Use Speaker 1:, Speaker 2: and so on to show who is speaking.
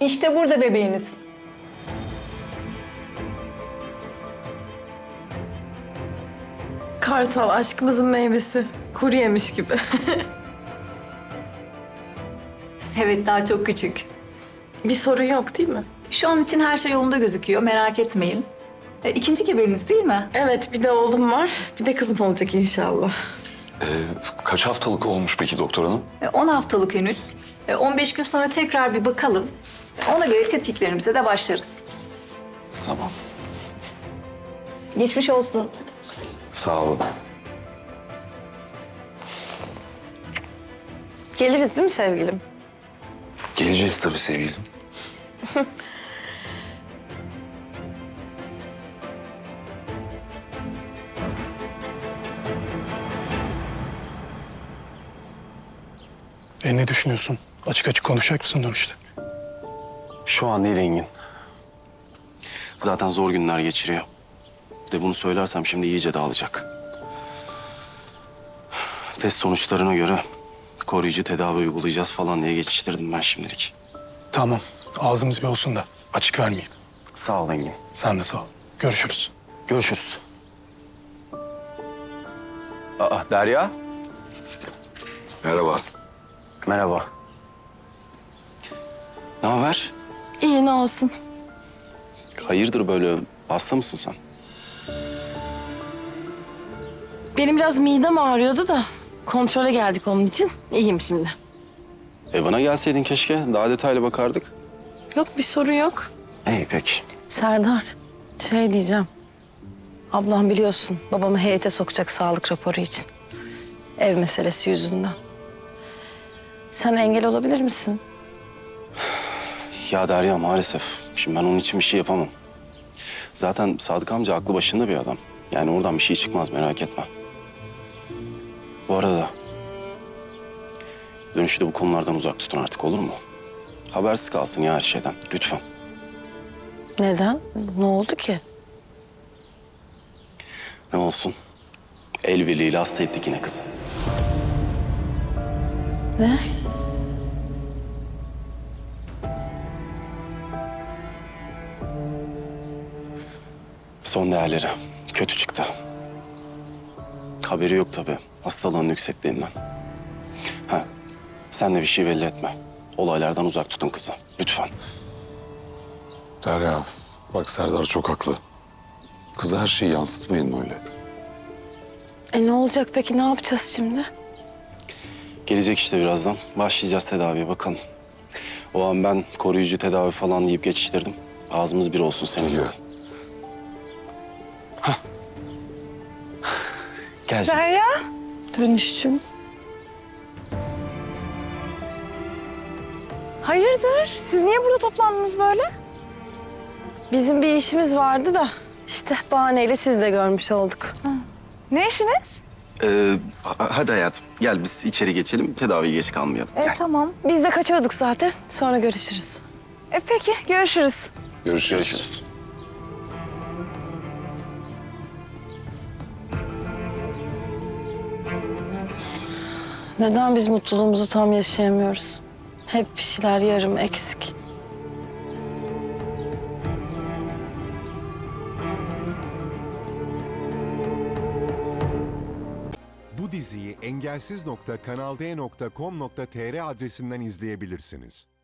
Speaker 1: İşte burada bebeğiniz.
Speaker 2: Kartal aşkımızın meyvesi. Kuru yemiş gibi.
Speaker 1: Evet, daha çok küçük.
Speaker 2: Bir sorun yok değil mi?
Speaker 1: Şu an için her şey yolunda gözüküyor, merak etmeyin. İkinci bebeğiniz değil mi?
Speaker 2: Evet, bir de oğlum var. Bir de kızım olacak inşallah.
Speaker 3: Kaç haftalık olmuş peki doktor hanım?
Speaker 1: 10 haftalık henüz. 15 gün sonra tekrar bir bakalım. Ona göre tetkiklerimize de başlarız.
Speaker 3: Tamam.
Speaker 1: Geçmiş olsun.
Speaker 3: Sağ olun.
Speaker 2: Geliriz değil mi sevgilim?
Speaker 3: Geleceğiz tabii sevgilim.
Speaker 4: Ne düşünüyorsun? Açık açık konuşacak mısın dönüşte?
Speaker 5: Şu an değil Engin. Zaten zor günler geçiriyor. Bir de bunu söylersem şimdi iyice dağılacak. Test sonuçlarına göre koruyucu tedavi uygulayacağız falan diye geçiştirdim ben şimdilik.
Speaker 4: Tamam. Ağzımız bir olsun da açık vermeyeyim.
Speaker 5: Sağ ol Engin.
Speaker 4: Sen de sağ ol. Görüşürüz.
Speaker 5: Görüşürüz. Aa Derya.
Speaker 3: Merhaba.
Speaker 5: Merhaba. Ne haber?
Speaker 2: İyi ne olsun.
Speaker 5: Hayırdır böyle hasta mısın sen?
Speaker 2: Benim biraz midem ağrıyordu da kontrole geldik onun için. İyiyim şimdi.
Speaker 5: Bana gelseydin keşke. Daha detaylı bakardık.
Speaker 2: Yok bir sorun yok.
Speaker 5: İyi peki.
Speaker 2: Serdar, şey diyeceğim. Ablam biliyorsun babamı heyete sokacak sağlık raporu için. Ev meselesi yüzünden. Sen engel olabilir misin?
Speaker 5: Ya Derya maalesef. Şimdi ben onun için bir şey yapamam. Zaten Sadık amca aklı başında bir adam. Yani oradan bir şey çıkmaz merak etme. Bu arada dönüşü de bu konulardan uzak tutun artık olur mu? Habersiz kalsın ya her şeyden lütfen.
Speaker 2: Neden? Ne oldu ki?
Speaker 5: Ne olsun? El birliğiyle hasta ettik yine kızı.
Speaker 2: Ne?
Speaker 5: Son değerleri kötü çıktı. Haberi yok tabii hastalığın yüksekliğinden. Ha, sen de bir şey belli etme. Olaylardan uzak tutun kızı lütfen.
Speaker 3: Derya, bak Serdar çok haklı. Kıza her şeyi yansıtmayın öyle.
Speaker 2: Ne olacak peki? Ne yapacağız şimdi?
Speaker 5: Gelecek işte birazdan. Başlayacağız tedaviye bakalım. O an ben koruyucu tedavi falan deyip geçiştirdim. Ağzımız bir olsun seninle.
Speaker 3: Geliyor.
Speaker 5: Gel canım.
Speaker 2: Derya. Dönüşüm.
Speaker 6: Hayırdır? Siz niye burada toplandınız böyle?
Speaker 2: Bizim bir işimiz vardı da işte bahaneyle siz de görmüş olduk.
Speaker 6: Ne işiniz?
Speaker 5: Hadi hayatım gel biz içeri geçelim. Tedaviye geç kalmayalım. Gel.
Speaker 6: Tamam.
Speaker 2: Biz de kaçıyorduk zaten. Sonra görüşürüz.
Speaker 6: Peki, görüşürüz.
Speaker 3: Görüşürüz.
Speaker 2: Neden biz mutluluğumuzu tam yaşayamıyoruz? Hep bir şeyler yarım eksik.
Speaker 7: Bu diziyi engelsiz.kanalde.com.tr adresinden izleyebilirsiniz.